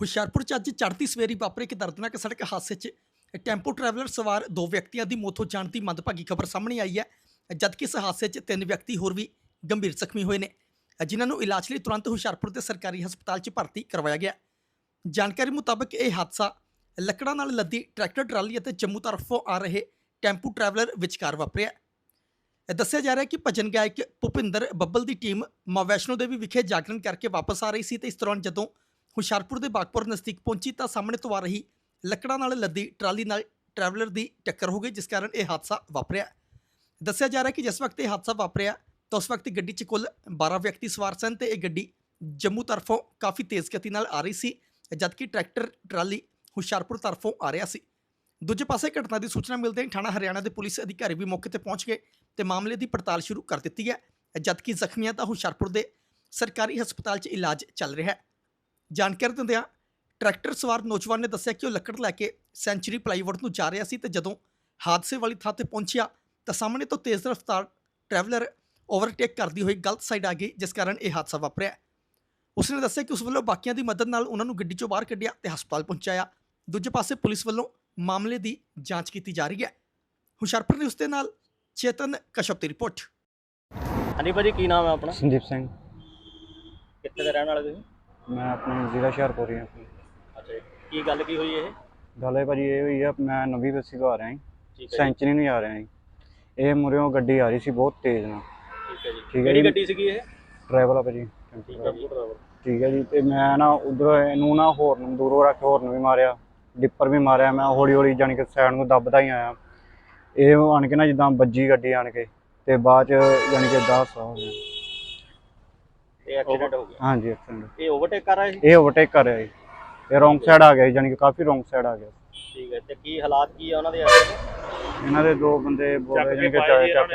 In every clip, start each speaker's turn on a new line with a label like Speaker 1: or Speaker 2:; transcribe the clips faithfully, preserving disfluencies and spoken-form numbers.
Speaker 1: ਹੁਸ਼ਿਆਰਪੁਰ 'ਚ ਅੱਜ ਚੜ੍ਹਦੀ ਸਵੇਰੀ ਵਾਪਰੇ ਇੱਕ ਦਰਦਨਾਕ ਸੜਕ ਹਾਦਸੇ 'ਚ ਟੈਂਪੋ ਟਰੈਵਲਰ ਸਵਾਰ ਦੋ ਵਿਅਕਤੀਆਂ ਦੀ ਮੌਤ ਹੋ ਜਾਣ ਦੀ ਮੰਦਭਾਗੀ ਖਬਰ ਸਾਹਮਣੇ ਆਈ ਹੈ। ਜਦਕਿ ਇਸ ਹਾਦਸੇ 'ਚ ਤਿੰਨ ਵਿਅਕਤੀ ਹੋਰ ਵੀ ਗੰਭੀਰ ਜ਼ਖਮੀ ਹੋਏ ਨੇ, ਜਿਨ੍ਹਾਂ ਨੂੰ ਇਲਾਜ ਲਈ ਤੁਰੰਤ ਹੁਸ਼ਿਆਰਪੁਰ ਦੇ ਸਰਕਾਰੀ ਹਸਪਤਾਲ 'ਚ ਭਰਤੀ ਕਰਵਾਇਆ ਗਿਆ। ਜਾਣਕਾਰੀ ਮੁਤਾਬਕ ਇਹ ਹਾਦਸਾ ਲੱਕੜਾਂ ਨਾਲ ਲੱਦੀ ਟਰੈਕਟਰ ਟਰਾਲੀ ਅਤੇ ਜੰਮੂ ਤਰਫੋਂ ਆ ਰਹੇ ਟੈਂਪੂ ਟਰੈਵਲਰ ਵਿਚਕਾਰ ਵਾਪਰਿਆ। ਦੱਸਿਆ ਜਾ ਰਿਹਾ ਹੈ ਕਿ ਭਜਨ ਗਾਇਕ ਭੁਪਿੰਦਰ ਬੱਬਲ ਦੀ ਟੀਮ ਮਾਂ ਵੈਸ਼ਨੋ ਦੇਵੀ ਵਿਖੇ ਜਾਗਰਣ ਕਰਕੇ ਵਾਪਸ ਆ ਰਹੀ ਸੀ ਤੇ ਇਸ ਦੌਰਾਨ ਜਦੋਂ ਹੁਸ਼ਿਆਰਪੁਰ ਦੇ ਬਾਗਪੁਰ ਨਜ਼ਦੀਕ ਪਹੁੰਚੀ ਤਾਂ ਸਾਹਮਣੇ ਤੋਂ ਆ ਰਹੀ ਲੱਕੜਾਂ ਨਾਲ ਲੱਦੀ ਟਰਾਲੀ ਨਾਲ ਟਰੈਵਲਰ ਦੀ ਟੱਕਰ ਹੋ ਗਈ, ਜਿਸ ਕਾਰਨ ਇਹ ਹਾਦਸਾ ਵਾਪਰਿਆ। ਦੱਸਿਆ ਜਾ ਰਿਹਾ ਹੈ ਕਿ ਜਿਸ ਵਕਤ ਇਹ ਹਾਦਸਾ ਵਾਪਰਿਆ ਤਾਂ ਉਸ ਵਕਤ ਗੱਡੀ 'ਚ ਕੁੱਲ ਬਾਰਾਂ ਵਿਅਕਤੀ ਸਵਾਰ ਸਨ ਤੇ ਇਹ ਗੱਡੀ ਜੰਮੂ ਤਰਫੋਂ ਕਾਫੀ ਤੇਜ਼ ਗਤੀ ਨਾਲ ਆ ਰਹੀ ਸੀ, ਜਦਕਿ ਟਰੈਕਟਰ ਟਰਾਲੀ ਹੁਸ਼ਿਆਰਪੁਰ ਤਰਫੋਂ ਆ ਰਿਹਾ ਸੀ। ਦੂਜੇ ਪਾਸੇ ਘਟਨਾ ਦੀ ਸੂਚਨਾ ਮਿਲਦੇ ਹੀ ਥਾਣਾ ਹਰਿਆਣਾ ਦੇ ਪੁਲਿਸ ਅਧਿਕਾਰੀ ਵੀ ਮੌਕੇ ਤੇ ਪਹੁੰਚ ਗਏ ਤੇ ਮਾਮਲੇ ਦੀ ਪੜਤਾਲ ਸ਼ੁਰੂ ਕਰ ਦਿੱਤੀ ਹੈ, ਜਦਕਿ ਜ਼ਖਮੀਆਂ ਦਾ ਹੁਸ਼ਿਆਰਪੁਰ ਦੇ ਸਰਕਾਰੀ ਹਸਪਤਾਲ 'ਚ ਇਲਾਜ ਚੱਲ ਰਿਹਾ ਹੈ। ਜਾਣਕਾਰੀ ਦਿੰਦਿਆਂ ਟਰੈਕਟਰ ਸਵਾਰ ਨੌਜਵਾਨ ਨੇ ਦੱਸਿਆ ਕਿ ਉਹ ਲੱਕੜ ਲੈ ਕੇ ਸੈਂਚੁਰੀ ਪਲਾਈਵੁੱਡ ਨੂੰ ਜਾ ਰਿਹਾ ਸੀ ਤੇ ਜਦੋਂ ਹਾਦਸੇ ਵਾਲੀ ਥਾਂ ਤੇ ਪਹੁੰਚਿਆ ਤਾਂ ਸਾਹਮਣੇ ਤੋਂ ਤੇਜ਼ ਰਫ਼ਤਾਰ ਟਰੈਵਲਰ ਓਵਰਟੇਕ ਕਰਦੀ ਹੋਈ ਗਲਤ ਸਾਈਡ ਆ ਗਈ, ਜਿਸ ਕਾਰਨ ਇਹ ਹਾਦਸਾ ਵਾਪਰਿਆ। ਉਸਨੇ ਦੱਸਿਆ ਕਿ ਉਸ ਵੱਲੋਂ ਬਾਕੀਆਂ ਦੀ ਮਦਦ ਨਾਲ ਉਹਨਾਂ ਨੂੰ ਗੱਡੀ 'ਚੋਂ ਬਾਹਰ ਕੱਢਿਆ ਤੇ ਹਸਪਤਾਲ ਪਹੁੰਚਾਇਆ। ਦੂਜੇ ਪਾਸੇ ਪੁਲਿਸ ਵੱਲੋਂ ਮਾਮਲੇ ਦੀ ਜਾਂਚ ਕੀਤੀ ਜਾ ਰਹੀ ਹੈ। ਹੁਸ਼ਿਆਰਪੁਰ ਨਿਊਜ਼ ਦੇ ਨਾਲ ਚੇਤਨ ਕਸ਼ਪ ਦੀ ਰਿਪੋਰਟ।
Speaker 2: ਹਾਂਜੀ ਭਾਜੀ, ਕੀ ਨਾਮ ਹੈ ਆਪਣਾ?
Speaker 3: ਸੰਦੀਪ ਸਿੰਘ।
Speaker 2: ਕਿੱਥੇ ਦੇ ਰਹਿਣ ਵਾਲੇ ਤੁਸੀਂ?
Speaker 3: ਮੈਂ ਆਪਣੇ ਜ਼ਿਲ੍ਹਾ ਹੁਸ਼ਿਆਰਪੁਰ ਹੀ ਹਾਂ।
Speaker 2: ਅੱਛਾ ਜੀ, ਕੀ ਗੱਲ ਕੀ ਹੋਈ ਇਹ?
Speaker 3: ਗੱਲ ਇਹ ਭਾਜੀ ਇਹ ਹੋਈ ਆ, ਮੈਂ ਨਵੀਂ ਬੱਸੀ ਤੋਂ ਆ ਰਿਹਾ ਸੀ,
Speaker 2: ਠੀਕ ਹੈ
Speaker 3: ਸੈਂਚਰੀ ਨੂੰ ਆ ਰਿਹਾ ਸੀ। ਇਹ ਮੁਰਿਓਂ ਗੱਡੀ ਆ ਰਹੀ ਸੀ ਬਹੁਤ ਤੇਜ਼ ਨਾਲ।
Speaker 2: ਠੀਕ ਹੈ ਜੀ,
Speaker 3: ਠੀਕ ਹੈ
Speaker 2: ਕਿਹੜੀ
Speaker 3: ਜੀ।
Speaker 2: ਗੱਡੀ ਸੀਗੀ ਇਹ?
Speaker 3: ਡਰਾਈਵਰ ਆ ਭਾਜੀ।
Speaker 2: ਠੀਕ ਹੈ ਜੀ, ਡਰਾਈਵਰ।
Speaker 3: ਠੀਕ ਹੈ ਜੀ। ਤੇ ਮੈਂ ਨਾ ਉਧਰੋਂ ਇਹਨੂੰ ਨਾ ਹੋਰਨ ਦੂਰੋਂ ਰੱਖ ਕੇ ਹੋਰਨ ਵੀ ਮਾਰਿਆ, ਡਿੱਪਰ ਵੀ ਮਾਰਿਆ। ਮੈਂ ਹੌਲੀ ਹੌਲੀ ਜਾਣੀ ਕਿ ਸਾਈਡ ਨੂੰ ਦੱਬਦਾ ਹੀ ਆਇਆ। ਇਹ ਆਣ ਕੇ ਨਾ ਜਿੱਦਾਂ ਵੱਜੀ ਗੱਡੀ ਆਣ ਕੇ ਤੇ ਬਾਅਦ ਚ ਜਾਣੀ ਕਿ ਦਸ ਹੋ ਗਿਆ।
Speaker 2: ਇਹ ਐਕਸੀਡੈਂਟ ਹੋ ਗਿਆ?
Speaker 3: ਹਾਂਜੀ, ਐਕਸੀਡੈਂਟ।
Speaker 2: ਇਹ ਓਵਰਟੇਕ ਕਰ ਰਿਹਾ ਸੀ?
Speaker 3: ਇਹ ਓਵਰਟੇਕ ਕਰ ਰਿਹਾ ਸੀ, ਇਹ ਰੋਂਗ ਸਾਈਡ ਆ ਗਿਆ ਜਾਣੀ ਕਿ ਕਾਫੀ ਰੋਂਗ ਸਾਈਡ ਆ ਗਿਆ।
Speaker 2: ਠੀਕ ਹੈ, ਤੇ ਕੀ ਹਾਲਾਤ ਕੀ ਆ ਉਹਨਾਂ ਦੇ?
Speaker 3: ਇਹਨਾਂ ਦੇ ਦੋ ਬੰਦੇ ਬੋਲੇ ਜਾਣੀ ਕਿ ਚੱਕ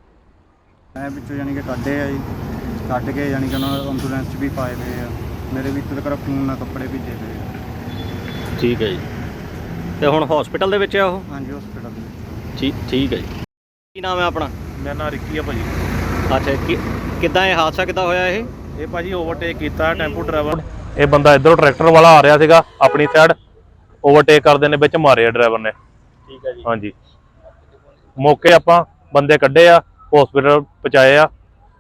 Speaker 3: ਮੈਂ ਵਿੱਚੋਂ ਜਾਣੀ ਕਿ ਕੱਢੇ ਆ ਜੀ, ਕੱਢ ਕੇ ਜਾਣੀ ਕਿ ਉਹਨਾਂ ਨੂੰ ਐਂਬੂਲੈਂਸ 'ਚ ਵੀ ਪਾਏ ਹੋਏ ਆ। ਮੇਰੇ ਵੀ ਇੱਥੇ ਤੱਕ ਖੂਨ ਨਾਲ ਕੱਪੜੇ ਭਿੱਜੇ ਪਏ ਆ।
Speaker 2: ਠੀਕ ਹੈ ਜੀ, ਤੇ ਹੁਣ ਹਸਪੀਟਲ ਦੇ ਵਿੱਚ ਆ ਉਹ?
Speaker 3: ਹਾਂਜੀ, ਹਸਪੀਟਲ ਦੇ ਵਿੱਚ।
Speaker 2: ਠੀਕ ਠੀਕ ਹੈ ਜੀ। ਕੀ ਨਾਮ ਹੈ ਆਪਣਾ?
Speaker 4: ਮੇਰਾ ਨਾਂ ਰਿੱਕੀ ਆ ਭਾਜੀ।
Speaker 2: ਅੱਛਾ, ਕਿ ਕਿੱਦਾਂ ਇਹ ਹਾਦਸਾ ਕਿੱਦਾਂ ਹੋਇਆ ਇਹ?
Speaker 4: ਇਹ ਭਾਜੀ ਓਵਰਟੇਕ ਕੀਤਾ ਟੈਂਪੂ ਡਰਾਈਵਰ। ਇਹ ਬੰਦਾ ਇੱਧਰੋਂ ਟਰੈਕਟਰ ਵਾਲਾ ਆ ਰਿਹਾ ਸੀਗਾ ਆਪਣੀ ਸਾਈਡ, ਓਵਰਟੇਕ ਕਰਦੇ ਨੇ ਵਿੱਚ ਮਾਰਿਆ ਡਰਾਈਵਰ ਨੇ।
Speaker 2: ਠੀਕ ਹੈ ਜੀ।
Speaker 4: ਹਾਂਜੀ, ਮੌਕੇ ਆਪਾਂ ਬੰਦੇ ਕੱਢੇ ਆ, ਹਸਪੀਟਲ ਪਹੁੰਚਾਏ ਆ।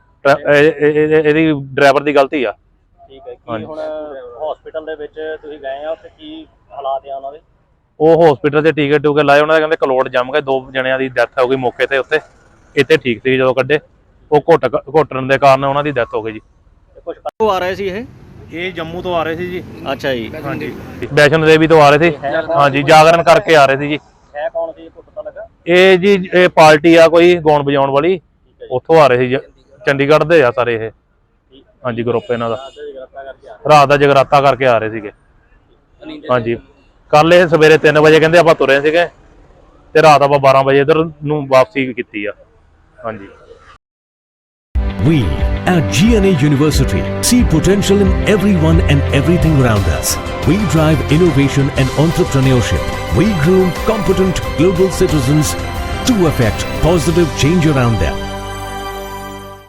Speaker 4: ਇਹਦੀ ਡਰਾਈਵਰ ਦੀ ਗਲਤੀ ਆ।
Speaker 2: ਠੀਕ ਹੈ, ਕੀ ਹੁਣ ਹਸਪੀਟਲ ਦੇ ਵਿੱਚ ਤੁਸੀਂ ਗਏ ਆ, ਉੱਥੇ ਕੀ ਹਾਲਾਤ ਆ ਉਹਨਾਂ ਦੇ?
Speaker 4: ਉਹ ਹਸਪੀਟਲ 'ਚ ਟੀਕੇ ਟੂਕੇ ਲਾਏ, ਉਹਨਾਂ ਦੇ ਕਹਿੰਦੇ ਕਲੋਟ ਜੰਮ ਗਏ, ਦੋ ਜਣਿਆਂ ਦੀ ਡੈਥ ਹੋ ਗਈ ਮੌਕੇ ਤੇ ਉੱਥੇ। ਇੱਥੇ ਠੀਕ ਸੀ ਜਦੋਂ ਕੱਢੇ, ਉਹ ਘੁੱਟ ਘੁੱਟਣ ਦੇ ਕਾਰਨ ਉਹਨਾਂ ਦੀ ਡੈਥ ਹੋ ਗਈ ਜੀ।
Speaker 2: ਕੁਝ ਕਦੋਂ ਆ ਰਹੇ ਸੀ ਇਹ?
Speaker 4: ਇਹ ਜੰਮੂ ਤੋਂ ਆ ਰਹੇ ਸੀ ਜੀ।
Speaker 2: ਅੱਛਾ ਜੀ।
Speaker 4: ਹਾਂਜੀ, ਵੈਸ਼ਨੋ ਦੇਵੀ ਤੋਂ ਆ ਰਹੇ ਸੀ। ਹਾਂਜੀ, ਜਾਗਰਣ ਕਰਕੇ ਆ ਰਹੇ ਸੀ ਜੀ।
Speaker 2: ਹੈ ਕੌਣ ਸੀ, ਕੁਝ ਪਤਾ ਲੱਗਾ?
Speaker 4: ਇਹ ਜੀ ਇਹ ਪਾਰਟੀ ਆ ਕੋਈ ਗਾਉਣ ਵਜਾਉਣ ਵਾਲੀ, ਉੱਥੋਂ ਆ ਰਹੇ ਸੀ। ਚੰਡੀਗੜ੍ਹ ਦੇ ਆ ਸਾਰੇ ਇਹ। ਹਾਂਜੀ, ਗਰੁੱਪ ਇਹਨਾਂ ਦਾ ਰਾਤ ਦਾ ਜਗਰਾਤਾ ਕਰਕੇ ਆ ਰਹੇ ਸੀਗੇ। ਹਾਂਜੀ, ਕੱਲ ਇਹ ਸਵੇਰੇ ਤਿੰਨ ਵਜੇ ਕਹਿੰਦੇ ਆਪਾਂ ਤੁਰੇ ਸੀਗੇ ਤੇ ਰਾਤ ਆਪਾਂ ਬਾਰਾਂ ਵਜੇ ਇੱਧਰ ਨੂੰ ਵਾਪਸੀ ਕੀਤੀ ਆ। ਹਾਂਜੀ।
Speaker 5: We at G N A University see potential in everyone and everything around us. We drive innovation and entrepreneurship. We groom competent global citizens to affect positive change around them.